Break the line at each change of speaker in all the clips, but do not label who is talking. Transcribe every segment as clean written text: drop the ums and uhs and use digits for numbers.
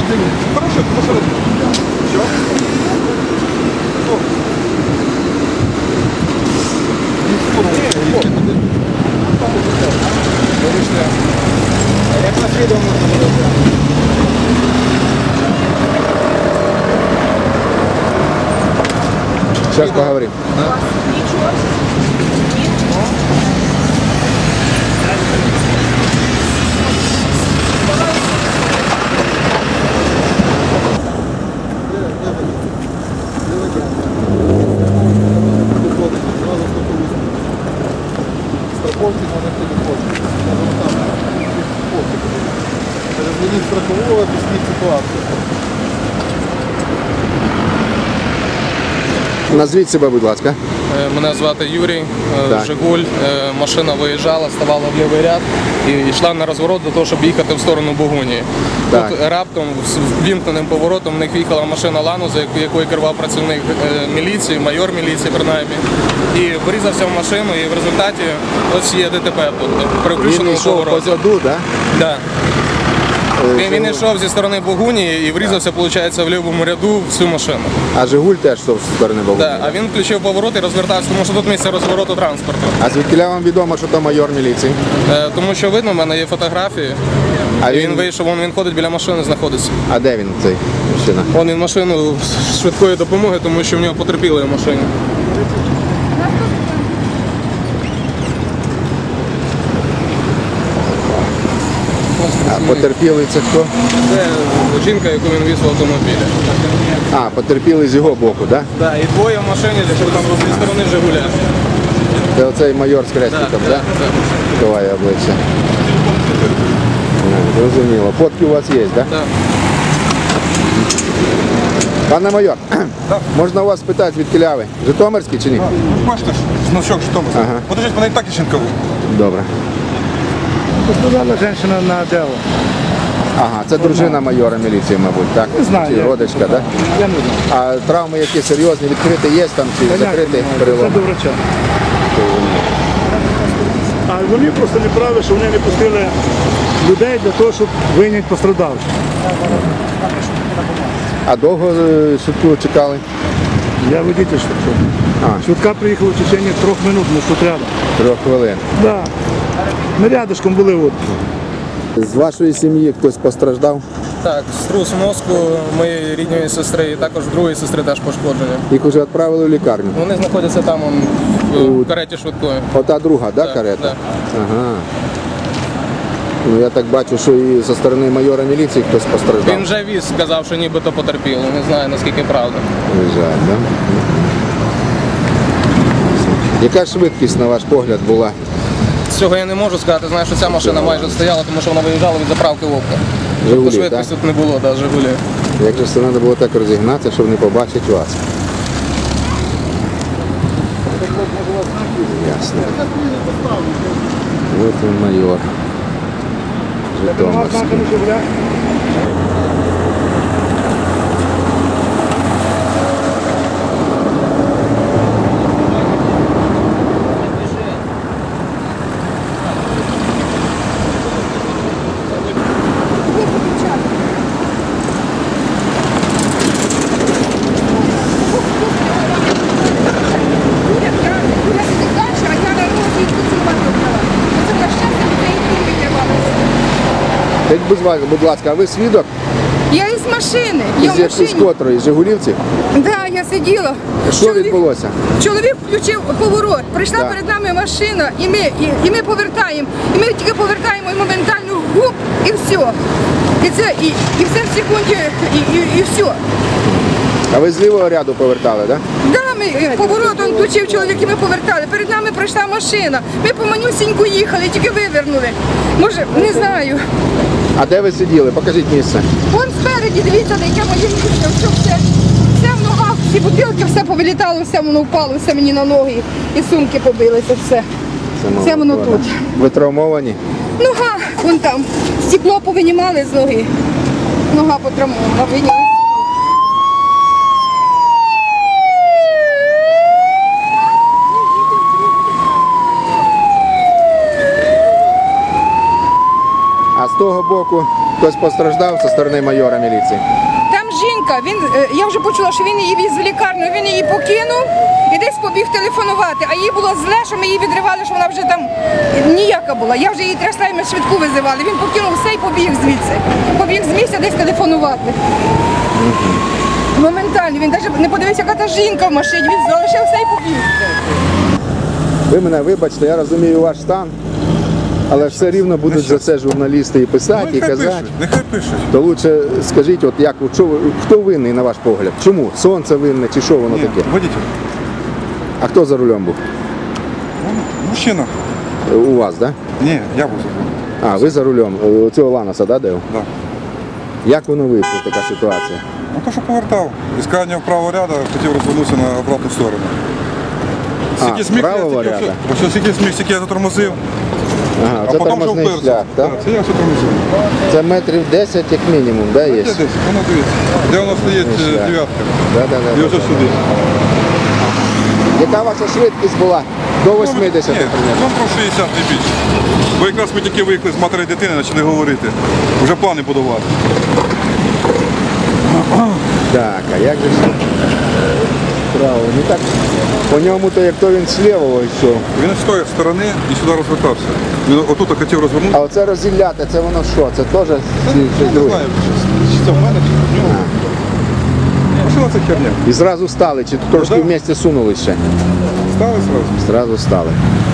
Хорошо, посередині. Все?
Як на відео можна було зробити?
Сейчас поговорим.
Страховки номер телефону. Перезвоніть страхового, об'ясніть ситуацію.
Назвіть себе, будь ласка.
Мене звати Юрій,
Так.
Жигуль. Машина виїжджала, ставала в лівий ряд і йшла на розворот до того, щоб їхати в сторону Богунії.
Так.
Тут раптом з вімкненим поворотом в них в'їхала машина Лануза, якою керував працівник міліції, майор міліції принаймні. І врізався в машину, і в результаті ось є ДТП тут, при
Він
включеному
йшов
повороті.
позаду, так?
Да. Він йшов зі сторони Богунії і врізався, виходить, в лівому ряду в цю машину.
А Жигуль теж йшов з сторони Богуні.
Да. А він включив поворот і розвертався, тому що тут місце розвороту транспорту.
А звідкіля вам відомо, що то майор міліції?
Тому що видно, в мене є фотографії.
А
Він вийшов, він ходить біля машини, знаходиться.
А де він, цей мужчина?
Він машину швидкої допомоги, тому що в нього потерпіли в машині.
А потерпілий це хто?
Це жінка, яку він віз в автомобілі.
А, потерпілий з його боку, так?
Да, і двоє в машині, що там зі сторони Жигуля.
Це оцей майор з хрестиком, так? Ховає обличчя. Зрозуміло. Фотки у вас є, так?
Да.
Пане майор, можна у вас спитати, звідкіля ви? Житомирський чи ні?
Бачите ж, значок Житомир.
Ага.
Подождіть, мене і так Іщенкову.
Добре.
Пострадала жінка на дело.
Ага, це дружина майора міліції, мабуть, так?
Не знаю,
Чи
я-
родичка, так?
Я не знаю.
А травми які серйозні, відкриті є там чи закриті
Це
перелом?
до врача. А вони просто неправі, що вони не пустили людей для того, щоб вийняти пострадавших.
А довго швидку чекали?
Я водитель швидко.
А.
Швидка приїхала в течение 3 минут, ми тут рядом.
3 хвилин.
Да. Ми рядышком були от.
З вашої сім'ї хтось постраждав?
Так, струс мозку моєї рідної сестри і також другої сестри теж пошкоджені.
Їх вже відправили в лікарню?
Вони знаходяться там в кареті швидкої.
Ота друга, да,
Так,
карета?
так.
Ага. Ну я так бачу, що і зі сторони майора міліції хтось постраждав.
Він вже віз, сказав, що нібито потерпіло. Не знаю, наскільки правда.
Жаль, да? Яка швидкість, на ваш погляд, була?
Цього я не можу сказати. Знаю, що ця машина майже стояла, тому що вона виїжджала від заправки Вовка.
Жигулі,
Тобто швидкості тут не було, да, Жигулі.
Як же це треба було так розігнатися, щоб не побачити вас? Ясно. Ось він майор. Житомирський. Скажіть, будь ласка, а ви свідок?
Я із машини. Я в
З
машині.
котрої? З Жигулівців?
Да, я сиділа.
Що відбулося?
Чоловік включив поворот. Прийшла
Так.
перед нами машина, і ми повертаємо. І ми тільки повертаємо і моментально гуп, і все. І все в секунді, і все.
А ви з лівого ряду повертали, так?
Да, ми поворот он включив чоловік, і ми повертали. Перед нами пройшла машина. Ми по манюсіньку їхали, тільки вивернули. Може, не знаю.
А де ви сиділи? Покажіть місце.
Вон спереді, дивіться, де яке моє місце, все в ногах, всі бутилки, все повилітало, все воно впало, все мені на ноги, і сумки побилися, все. Все воно тут.
Ви травмовані?
Нога, вон там, стекло повинімали з ноги, нога потравмована, виняли.
А з того боку Хтось постраждав зі сторони майора міліції?
Там жінка, я вже почула, що він її віз в лікарню, він її покинув і десь побіг телефонувати. А їй було зле, що ми її відривали, що вона вже там ніяка була. Я вже її трясла, і ми швидку визивали. Він покинув все і побіг звідси. Побіг з місця десь телефонувати. Моментально, він навіть не подивився, яка та жінка в машині, він залишив все і побіг.
Ви мене вибачте, я розумію ваш стан, але все рівно будуть за це журналісти і писати, і казати.
Нехай пишуть.
То лучше скажіть, от як, хто винний на ваш погляд? Чому? Сонце винне чи що воно
Ні,
таке?
водитель.
А хто за рулем був?
Мужчина.
У вас, так? Да?
Ні, я був за.
А, ви за рулем. У цього Ланоса, да, Дев?
Да.
Як воно вийшло, така ситуація?
Ну то, що повертав. Із крайнього правого ряду хотів розвернутися на обратну сторону. Скільки зміг,
правого
я
ряду?
ось скільки зміг, стільки я затормозив,
Ага,
а
це
потім вже
тормозний
впився.
шлях, так?
Так, це я все тормозив.
Це метрів 10 як мінімум, да, є?
Є десь, воно дивіться. Де воно стоїть
Шлях.
дев'ятка.
Да,
І ось сюди.
Яка ваша швидкість була? До 80
Ні,
примерно.
ну про 60 не більше. Бо якраз ми тільки виїхали з матері дитини, почали говорити. Вже плани будувати.
Так, а як же ж право? Ну так, по ньому то як то він сліво йшов.
Він з тої сторони і сюди розвертався. Він отут хотів розвернутися.
А оце розділяти, це воно що? Це теж чи щось
Не
друге?
знаю, чи це в мене, чи в нього. Машина це херня.
І зразу стали, чи трошки
да.
в місті сунули ще?
Стали зразу.
Зразу стали.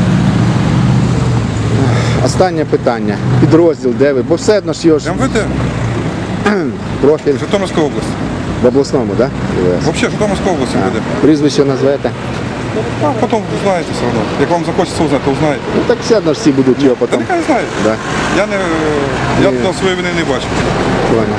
Останнє питання. Підрозділ, де ви? Бо все одно ж його ж
МВД,
профіль
Житомирська область.
в обласному, так? Да?
Взагалі, Житомирська область МВД.
Прізвище назвете?
А потім узнаєте все одно. Як вам захочеться узнати, то узнаєте.
Ну так все одно ж всі будуть його
Та
потім.
нехай знаєте.
Да.
Я тут своєї вини не бачу.
Понял.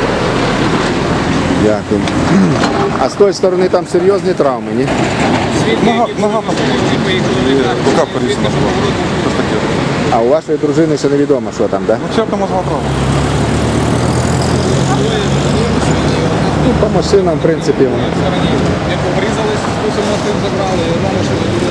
Дякую. А з тої сторони там серйозні травми, ні?
Нога там рука порізана була. Щось таке.
А у вашої дружини ще невідомо, що там, так? Да?
Ну, черта мозгова травма.
Ну, по машинам, в принципі, воно.
Як обрізались, спусимо тим забрали, і одна машина буде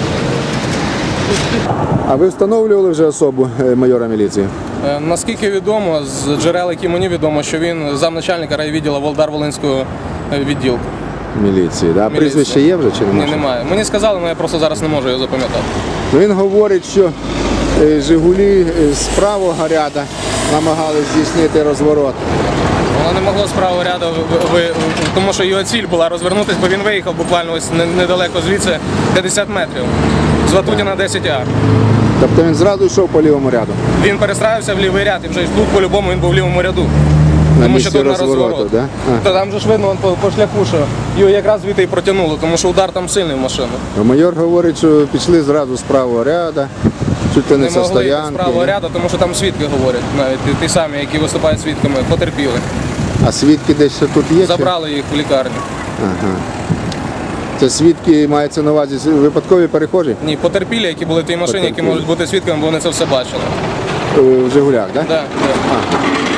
А ви встановлювали вже особу майора міліції?
Наскільки відомо, з джерел, які мені відомо, що він замначальника райвідділу Волдар-Волинського відділку.
Міліції, да?
Міліції.
Прізвище є вже чи
Ні,
немає?
немає. Мені сказали, але я просто зараз не можу його запам'ятати.
Ну, він говорить, що Жигулі з правого ряду намагались здійснити розворот.
Вона не могла з правого ряду, тому що його ціль була розвернутися, бо він виїхав буквально ось недалеко звідси 50 метрів. З Ватутіна 10А.
Тобто він зразу йшов по лівому ряду.
Він перестраювався в лівий ряд і вже тут по-любому він був в лівому ряду.
На
Тому
місці
що тут на
розвороту,
розворот.
да?
Та там же ж видно по шляху, що його якраз звідти і протягнуло, тому що удар там сильний в машину.
А майор говорить, що пішли зразу з правого ряду, чуть ли не
Не
со
могли йти з
стоянки.
правого ряду, тому що там свідки говорять, навіть ті самі, які виступають свідками, потерпіли.
А свідки десь ще тут є? чи?
Забрали їх в лікарню.
Ага. Це свідки, мається на увазі, випадкові перехожі?
Ні, потерпілі, які були в тій машині, які
Потерпілі.
можуть бути свідками, бо вони це все бачили.
В Жигулях, так? Да?
Да, да.